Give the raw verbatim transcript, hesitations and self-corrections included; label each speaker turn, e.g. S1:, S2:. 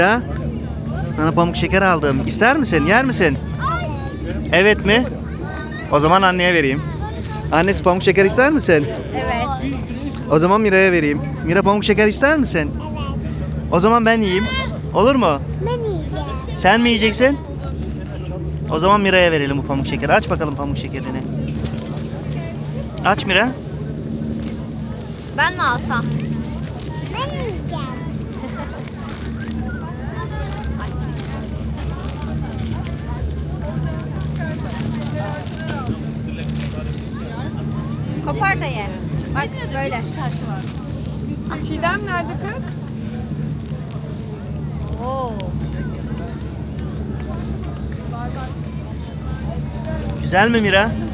S1: Ya, sana pamuk şeker aldım. İster misin? Yer misin? Evet mi? O zaman anneye vereyim. Annesi pamuk şeker ister misin?
S2: Evet.
S1: O zaman Mira'ya vereyim. Mira pamuk şeker ister misin? O zaman ben yiyeyim. Olur mu?
S3: Ben yiyeceğim.
S1: Sen mi yiyeceksin? O zaman Mira'ya verelim bu pamuk şekeri. Aç bakalım pamuk şekerini. Aç Mira.
S2: Ben mi alsam?
S3: Ben yiyeceğim.
S2: Kopar da ye. Bak böyle. Çarşı var.
S4: Çiğdem nerede kız?
S2: Oo.
S1: Güzel mi Mira?